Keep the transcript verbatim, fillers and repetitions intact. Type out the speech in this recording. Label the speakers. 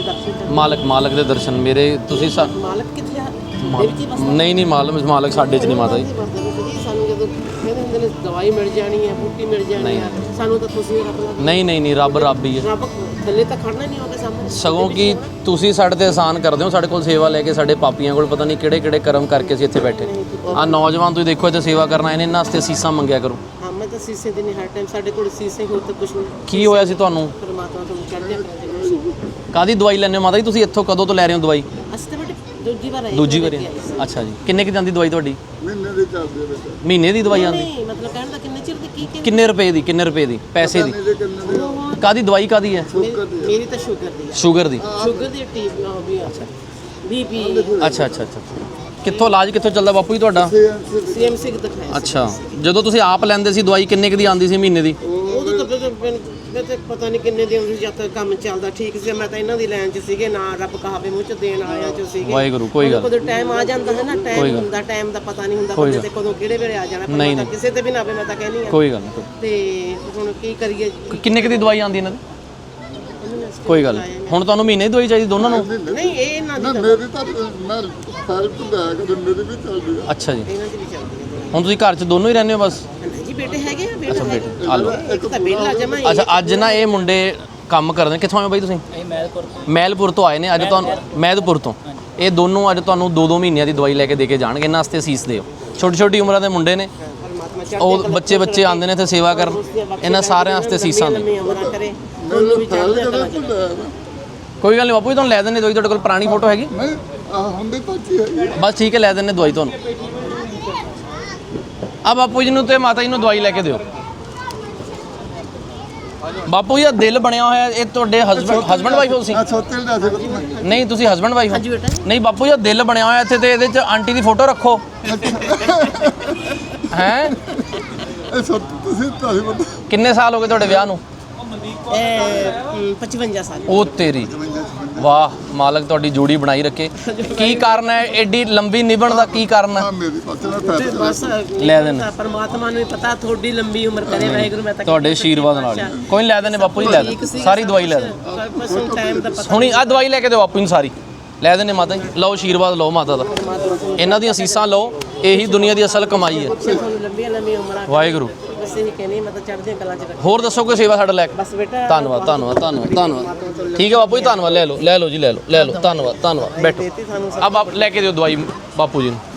Speaker 1: ਦਰਸ਼ਨ
Speaker 2: ਮਾਲਕ ਮਾਲਕ ਦੇ ਦਰਸ਼ਨ ਮੇਰੇ ਤੁਸੀਂ ਸਾ-
Speaker 1: ਮਾਲਕ ਕਿੱਥੇ ਆ?
Speaker 2: ਨਹੀਂ ਨਹੀਂ ਮਾਲਕ ਮਾਲਕ ਸਾਡੇ 'ਚ ਨਹੀਂ ਮਾਤਾ ਜੀ।
Speaker 1: ਸਾਨੂੰ ਜਦੋਂ ਕਹਿੰਦੇ ਹੁੰਦੇ ਨੇ ਦਵਾਈ ਮਿਲ ਜਾਣੀ ਹੈ, ਬੂਟੀ ਮਿਲ ਜਾਣੀ ਹੈ, ਸਾਨੂੰ ਤਾਂ ਤੁਸੀਂ ਰੱਬ
Speaker 2: ਨਹੀਂ ਨਹੀਂ ਨਹੀਂ ਰੱਬ ਰੱਬ ਹੀ ਹੈ।
Speaker 1: ਰੱਬ ਥੱਲੇ ਤਾਂ ਖੜਨਾ ਨਹੀਂ ਹੋਗਾ ਸਾਹਮਣੇ।
Speaker 2: ਸਗੋਂ ਕਿ ਤੁਸੀਂ ਸਾਡੇ ਤੇ ਆਸਾਨ ਕਰਦੇ ਹੋ, ਸਾਡੇ ਕੋਲ ਸੇਵਾ ਲੈ ਕੇ, ਸਾਡੇ ਪਾਪੀਆਂ ਕੋਲ ਪਤਾ ਨਹੀਂ ਕਿਹੜੇ ਕਿਹੜੇ ਕਰਮ ਕਰਕੇ ਅਸੀਂ ਇੱਥੇ ਬੈਠੇ। ਆਹ ਨੌਜਵਾਨ ਤੁਸੀਂ ਦੇਖੋ ਇੱਥੇ ਸੇਵਾ ਕਰਨ ਆਏ ਨੇ, ਇਹਨਾਂ ਵਾਸਤੇ ਸੀਸਾਂ ਮੰਗਿਆ ਕਰੋ।
Speaker 1: ਹਾਂ ਮੈਂ ਤਾਂ ਸੀਸੇ ਦੇ ਨਹੀਂ ਹਰ ਟਾਈਮ ਸਾਡੇ ਕੋਲ ਸੀਸੇ ਹੋਰ ਤਾਂ ਕੁਝ ਨਹੀਂ।
Speaker 2: ਕੀ ਹੋਇਆ ਸੀ ਤੁਹਾਨੂੰ?
Speaker 1: ਪਰਮਾਤਮਾ ਤੁਹਾਨੂੰ ਚੜ੍ਹਦੀਆਂ ਕਰੇ।
Speaker 2: ਕਾਹਦੀ ਦਵਾਈ ਲੈਂਦੇ ਹੋ ਮਾਤਾ ਜੀ ਤੁਸੀਂ? ਇੱਥੋਂ ਕਦੋਂ ਤੋਂ ਲੈ ਰਹੇ ਹੋ ਦਵਾਈ?
Speaker 1: ਅਸੀਂ ਤਾਂ ਬੇਟੇ ਦੂਜੀ ਵਾਰ ਆਏ।
Speaker 2: ਦੂਜੀ ਵਾਰੀ? ਅੱਛਾ ਜੀ। ਕਿੰਨੇ ਕੁ ਜਾਂਦੀ ਦਵਾਈ ਤੁਹਾਡੀ?
Speaker 3: ਮਹੀਨੇ ਦੀ ਚੱਲਦੀ ਹੈ ਬੇਟਾ।
Speaker 2: ਮਹੀਨੇ ਦੀ ਦਵਾਈ ਆਉਂਦੀ?
Speaker 1: ਨਹੀਂ ਮਤਲਬ ਕਹਿਣ ਦਾ ਕਿੰਨੇ ਚਿਰ ਦੀ ਕੀ ਕੀ
Speaker 2: ਕਿੰਨੇ ਰੁਪਏ ਦੀ? ਕਿੰਨੇ ਰੁਪਏ ਦੀ? ਪੈਸੇ ਦੀ? ਕਾਹਦੀ ਦਵਾਈ ਕਾਹਦੀ ਹੈ?
Speaker 1: ਮੇਰੀ ਤਾਂ ਸ਼ੂਗਰ ਦੀ ਹੈ।
Speaker 2: ਸ਼ੂਗਰ ਦੀ?
Speaker 1: ਸ਼ੂਗਰ ਦੀ ਟੀ ਵੀ ਅੱਛਾ ਬੀਪੀ।
Speaker 2: ਅੱਛਾ ਅੱਛਾ ਅੱਛਾ। ਕਿੱਥੋਂ ਇਲਾਜ ਕਿੱਥੋਂ ਚੱਲਦਾ ਬਾਪੂ ਜੀ ਤੁਹਾਡਾ?
Speaker 1: ਸੀਐਮਸੀ ਦਿਖਾਇਆ।
Speaker 2: ਅੱਛਾ। ਜਦੋਂ ਤੁਸੀਂ ਆਪ ਲੈਂਦੇ ਸੀ ਦਵਾਈ ਕਿੰਨੇ ਕੁ ਦੀ ਆਉਂਦੀ ਸੀ ਮਹੀਨੇ ਦੀ?
Speaker 1: ਉਦੋਂ ਤਾਂ ਮੈਂ ਤਾਂ ਪਤਾ ਨਹੀਂ ਕਿੰਨੇ ਦਿਨ ਸੀ ਜਦ ਤੱਕ ਕੰਮ ਚੱਲਦਾ ਠੀਕ ਸੀ। ਮੈਂ ਤਾਂ ਇਹਨਾਂ ਦੀ ਲਾਈਨ 'ਚ ਸੀਗੇ ਨਾ ਰੱਬ ਕਹਾਵੇ ਮੂੰਹ 'ਚ ਦੇਣ ਵਾਲਿਆਂ 'ਚ ਸੀਗੇ।
Speaker 2: ਵਾਹਿਗੁਰੂ ਕੋਈ ਗੱਲ
Speaker 1: ਕਦੋਂ ਟਾਈਮ ਆ ਜਾਂਦਾ ਹੈ ਨਾ, ਟਾਈਮ ਹੁੰਦਾ, ਟਾਈਮ ਦਾ ਪਤਾ ਨਹੀਂ ਹੁੰਦਾ ਬੰਦੇ ਤੇ ਕਦੋਂ ਕਿਹੜੇ ਵੇਲੇ ਆ ਜਾਣਾ। ਪਰ ਮੈਂ ਕਿਸੇ ਤੇ ਵੀ ਨਾ ਆਵੇ ਮੈਂ ਤਾਂ ਕਹਿੰਦੀ ਆ।
Speaker 2: ਕੋਈ ਗੱਲ ਨਹੀਂ।
Speaker 1: ਤੇ ਹੁਣ ਕੀ ਕਰੀਏ?
Speaker 2: ਕਿੰਨੇ ਕੁ ਦੀ ਦਵਾਈ ਆਉਂਦੀ ਇਹਨਾਂ ਦੀ? ਕੋਈ ਗੱਲ ਨਹੀਂ। ਹੁਣ ਤੁਹਾਨੂੰ ਮਹੀਨੇ ਦੀ ਦਵਾਈ ਚਾਹੀਦੀ ਦੋਨਾਂ ਨੂੰ?
Speaker 1: ਨਹੀਂ ਇਹ ਇਹਨਾਂ ਦੀ
Speaker 3: ਮੇਰੀ ਤਾਂ ਮੈਂ ਹੈਲਪ ਲੈ ਕੇ ਮੇਰੀ ਵੀ ਚੱਲਦੀ ਹੈ।
Speaker 2: ਅੱਛਾ ਜੀ।
Speaker 1: ਇਹਨਾਂ ਦੀ ਵੀ ਚੱਲਦੀ ਹੈ।
Speaker 2: ਹੁਣ ਤੁਸੀਂ ਘਰ 'ਚ ਦੋਨੋਂ ਹੀ ਰਹਿੰਦੇ ਹੋ ਬਸ?
Speaker 1: ਨਹੀਂ ਜੀ ਬੇਟੇ ਹੈਗੇ ਆ, ਬੇਟਾ
Speaker 2: ਅੱਛਾ
Speaker 1: ਹੈਗਾ।
Speaker 2: ਬੇਟੇ ਆ ਲਓ।
Speaker 1: ਇੱਕ ਤਾਂ ਬੇਲਾ ਜਮਾ।
Speaker 2: ਅੱਛਾ ਅੱਜ ਨਾ ਇਹ ਮੁੰਡੇ ਕੰਮ ਕਰਦੇ ਨੇ। ਕਿੱਥੋਂ ਆਏ ਹੋ ਬਾਈ ਤੁਸੀਂ?
Speaker 4: ਮੈਲਪੁਰ
Speaker 2: ਮੈਲਪੁਰ ਤੋਂ ਆਏ ਨੇ ਅੱਜ ਤੁਹਾਨੂੰ। ਮੈਦਪੁਰ ਤੋਂ। ਇਹ ਦੋਨੋਂ ਅੱਜ ਤੁਹਾਨੂੰ ਦੋ ਦੋ ਮਹੀਨਿਆਂ ਦੀ ਦਵਾਈ ਲੈ ਕੇ ਦੇ ਕੇ ਜਾਣਗੇ। ਇਹਨਾਂ ਵਾਸਤੇ ਅਸੀਸ ਦਿਓ। ਛੋਟੀ ਛੋਟੀ ਉਮਰਾਂ ਦੇ ਮੁੰਡੇ ਨੇ, ਉਹ ਬੱਚੇ ਬੱਚੇ ਆਉਂਦੇ ਨੇ ਇੱਥੇ ਸੇਵਾ ਕਰਨ। ਇਹਨਾਂ ਸਾਰਿਆਂ ਵਾਸਤੇ ਅਸੀਸਾਂ ਨੇ।
Speaker 1: ਕਰੇ ਉਹਨੂੰ ਵੀ ਚੱਲਦਾ
Speaker 2: ਕੋਈ ਗੱਲ ਨਹੀਂ ਬਾਪੂ ਜੀ ਤੁਹਾਨੂੰ ਲੈ ਦਿੰਦੇ ਦਵਾਈ। ਤੁਹਾਡੇ ਕੋਲ ਪੁਰਾਣੀ ਫੋਟੋ ਹੈਗੀ?
Speaker 3: ਨਹੀਂ ਆ ਹੁੰਦੇ ਤਾਂ ਕੀ ਹੈ।
Speaker 2: ਬਸ ਠੀਕ ਹੈ ਲੈ ਦਿੰਦੇ ਦਵਾਈ ਤੁਹਾਨੂੰ। ਆ ਬਾਪੂ ਜੀ ਨੂੰ ਤੇ ਮਾਤਾ ਜੀ ਨੂੰ ਦਵਾਈ ਲੈ ਕੇ ਦਿਓ। ਬਾਪੂ ਜੀ ਦਾ ਦਿਲ ਬਣਿਆ ਹੋਇਆ ਇਹ ਤੁਹਾਡੇ ਹਸਬੰਡ ਹਸਬੰਡ ਵਾਈਫ ਹੋ ਤੁਸੀਂ?
Speaker 3: ਆ ਸੋਤੇਲ ਦਾ ਸੀ ਬਸ।
Speaker 2: ਨਹੀਂ ਤੁਸੀਂ ਹਸਬੰਡ ਵਾਈਫ ਹੋ?
Speaker 1: ਹਾਂਜੀ ਬੇਟਾ।
Speaker 2: ਨਹੀਂ ਬਾਪੂ ਜੀ ਦਾ ਦਿਲ ਬਣਿਆ ਹੋਇਆ ਇੱਥੇ ਤੇ ਇਹਦੇ ਚ ਆਂਟੀ ਦੀ ਫੋਟੋ ਰੱਖੋ। ਹੈ
Speaker 3: ਇਹ ਸੋ ਤੁਸੀਂ ਤਾਂ ਹੀ ਬਤਾ।
Speaker 2: ਕਿੰਨੇ ਸਾਲ ਹੋ ਗਏ ਤੁਹਾਡੇ ਵਿਆਹ ਨੂੰ?
Speaker 1: ਇਹ ਪਚਵੰਜਾ ਸਾਲ।
Speaker 2: ਉਹ ਤੇਰੀ ਵਾਹ ਮਾਲਕ ਤੁਹਾਡੀ ਜੋੜੀ ਬਣਾਈ ਰੱਖੇ। ਕੀ ਕਾਰਨ ਹੈ ਐਡੀ ਲੰਬੀ ਨਿਭਣ ਦਾ? ਕੀ ਕਾਰਨ ਹੈ?
Speaker 3: ਆ ਮੇਰੀ ਪਾਸੇ ਨਾਲ ਫੈਸਲਾ
Speaker 1: ਬਸ
Speaker 2: ਲੈ ਦੇਣਾ।
Speaker 1: ਪਰਮਾਤਮਾ ਨੂੰ ਵੀ ਪਤਾ ਤੁਹਾਡੀ ਲੰਬੀ ਉਮਰ ਕਰੇ ਵਾਹਿਗੁਰੂ। ਮੈਂ ਤਾਂ
Speaker 2: ਤੁਹਾਡੇ ਆਸ਼ੀਰਵਾਦ ਨਾਲ। ਕੋਈ ਲੈ ਦੇਣੇ ਬਾਪੂ ਜੀ ਲੈ ਦੇ ਸਾਰੀ ਦਵਾਈ ਲੈ ਦੇ।
Speaker 1: ਬਸ ਹੁਣ ਟਾਈਮ ਦਾ ਪਤਾ।
Speaker 2: ਹੁਣੀ ਆ ਦਵਾਈ ਲੈ ਕੇ ਦਿਓ ਬਾਪੂ ਨੂੰ ਸਾਰੀ ਲੈ ਦੇਣੇ ਮਾਤਾ ਜੀ। ਲਓ ਆਸ਼ੀਰਵਾਦ ਲਓ ਮਾਤਾ ਦਾ। ਇਹਨਾਂ ਦੀਆਂ ਅਸੀਸਾਂ ਲਓ। ਇਹੀ ਦੁਨੀਆ ਦੀ ਅਸਲ ਕਮਾਈ ਹੈ।
Speaker 1: ਤੁਹਾਨੂੰ ਲੰਬੀਆਂ ਲੰਬੀਆਂ ਉਮਰਾਂ
Speaker 2: ਵਾਹਿਗੁਰੂ।
Speaker 1: ਬਸ ਇਹ ਕਹਿੰਦੀ ਮੈਂ ਤਾਂ ਚੜ੍ਹਦੀਆਂ ਕਲਾਂ 'ਚ ਰੱਖ।
Speaker 2: ਹੋਰ ਦੱਸੋ ਕੋਈ ਸੇਵਾ ਸਾਡਾ ਲੈ ਕੇ?
Speaker 1: ਬਸ ਬੇਟਾ
Speaker 2: ਧੰਨਵਾਦ ਧੰਨਵਾਦ ਧੰਨਵਾਦ ਧੰਨਵਾਦ। ਠੀਕ ਹੈ ਬਾਪੂ ਜੀ ਧੰਨਵਾਦ। ਲੈ ਲਓ ਲੈ ਲਓ ਜੀ ਲੈ ਲਓ ਲੈ ਲਓ। ਧੰਨਵਾਦ ਧੰਨਵਾਦ। ਬੈਠੋ। ਆ ਬਾਪ ਲੈ ਕੇ ਦਿਓ ਦਵਾਈ ਬਾਪੂ ਜੀ ਨੂੰ।